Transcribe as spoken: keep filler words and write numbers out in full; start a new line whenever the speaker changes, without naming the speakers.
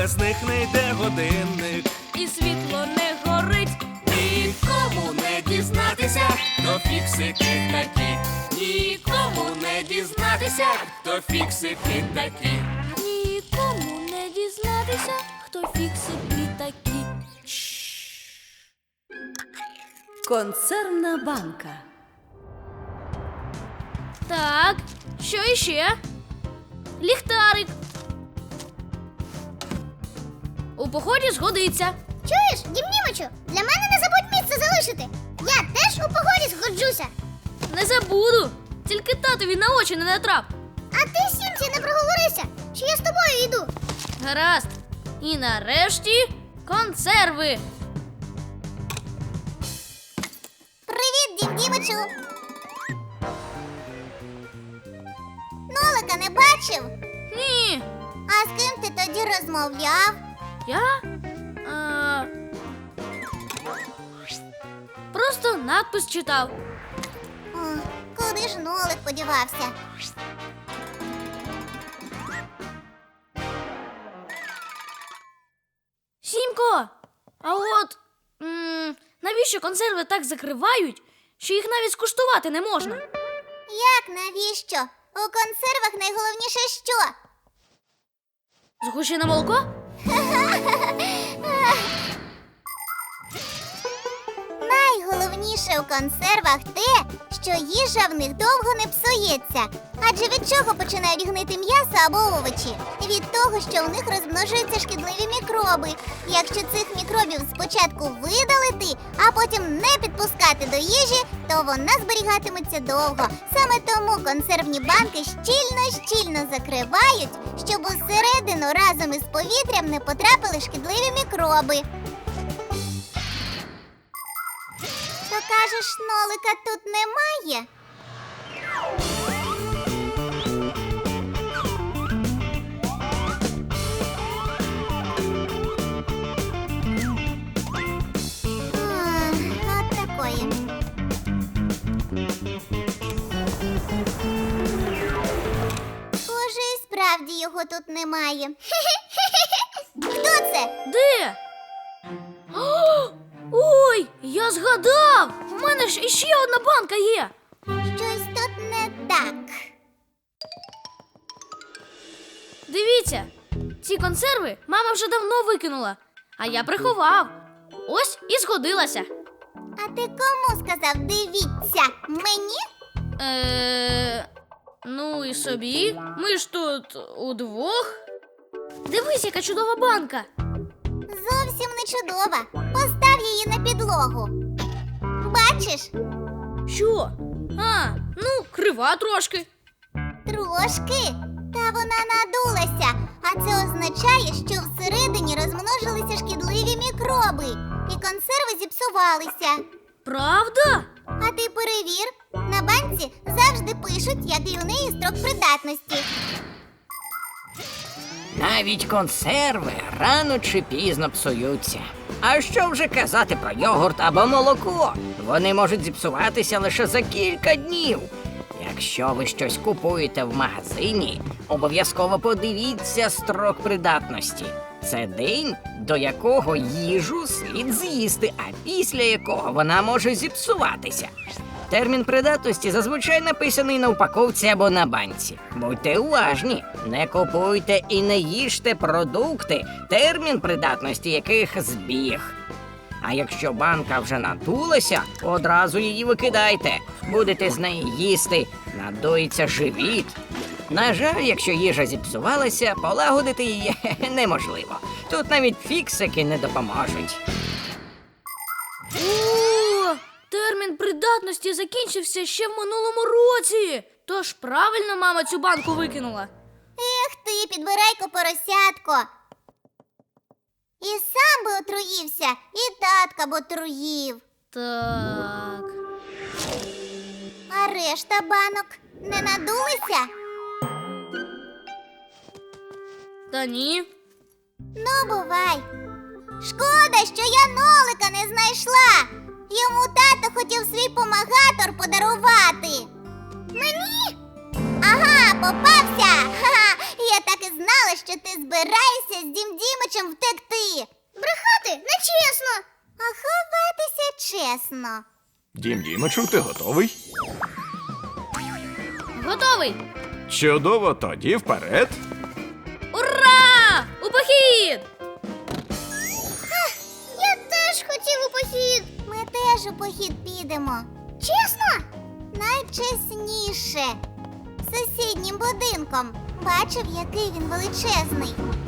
без них не йде годинник.
І світло не горить.
Нікому не дізнатися, хто фіксики такі. Нікому не дізнатися, хто фіксики такі.
Нікому не дізнатися, хто фіксики такі.
Консервна банка.
Так, що іще? Ліхтарик. У поході згодиться.
Чуєш, Дім Німичу, для мене не забудь місце залишити. Я теж у погоді згоджуся.
Не забуду. Тільки татові на очі не натрап.
А ти, Сімці, не проговорися, що я з тобою йду.
Гаразд. І нарешті консерви.
Привіт, Дім Дімичу. Нолика не бачив?
Ні.
А з ким ти тоді розмовляв?
Я? А... Просто надпис читав.
О, куди ж Нолик подівався?
Сімко, а от м- навіщо консерви так закривають, що їх навіть скуштувати не можна?
Як навіщо? У консервах найголовніше що?
Згущене молоко?
Найголовніше у консервах те, що їжа в них довго не псується. Адже від чого починають гнити м'ясо або овочі? Від того, що у них розмножуються шкідливі мікроби. Якщо цих мікробів спочатку видалити, а потім не підпускати до їжі, то вона зберігатиметься довго. Саме тому консервні банки щільно-щільно закривають, щоб усередину разом із повітрям не потрапили шкідливі мікроби. То кажеш, Нолика тут немає? А, от такої. Схоже, і справді його тут немає. Хто це?
Де? О, ой, я згадав! У мене ж іще одна банка є.
Щось тут не так.
Дивіться, ці консерви мама вже давно викинула, а я приховав. Ось і згодилася.
А ти кому сказав «дивіться»? Мені?
Е, ну і собі. Ми ж тут удвох. Дивись, яка чудова банка.
Зовсім не чудова. Постав її на підлогу. Бачиш?
Що? А, ну, крива трошки.
Трошки. Та вона надулася. А це означає, що всередині розмножилися шкідливі мікроби. І консерви зіпсувалися.
Правда?
А ти перевір. На банці завжди пишуть, який у неї строк придатності.
Навіть консерви рано чи пізно псуються. А що вже казати про йогурт або молоко? Вони можуть зіпсуватися лише за кілька днів. Якщо ви щось купуєте в магазині, обов'язково подивіться строк придатності. Це день, до якого їжу слід з'їсти, а після якого вона може зіпсуватися. Термін придатності зазвичай написаний на упаковці або на банці. Будьте уважні, не купуйте і не їжте продукти, термін придатності яких збіг. А якщо банка вже надулася, одразу її викидайте. Будете з неї їсти, надується живіт. На жаль, якщо їжа зіпсувалася, полагодити її неможливо. Тут навіть фіксики не допоможуть.
О, термін придатності закінчився ще в минулому році. Тож правильно мама цю банку викинула.
Ех ти, підбирайко поросятко. І сам би отруївся, і татка б отруїв.
Так.
А решта банок не надулися?
Та ні.
Ну, бувай. Шкода, що я Нолика не знайшла. Йому тато хотів свій помагатор подарувати. Мені? Ага, попався. Ха-ха. Я так і знала, що що ти збираєшся з Дім Дімичем втекти. Брехати нечесно. А ховатися чесно.
Дім Дімичу, ти готовий?
Готовий!
Чудово, тоді вперед.
Ура! У похід!
Я теж хотів у похід. Ми теж у похід підемо. Чесно? Найчесніше. Сусіднім будинком. Бачив, який він величезний.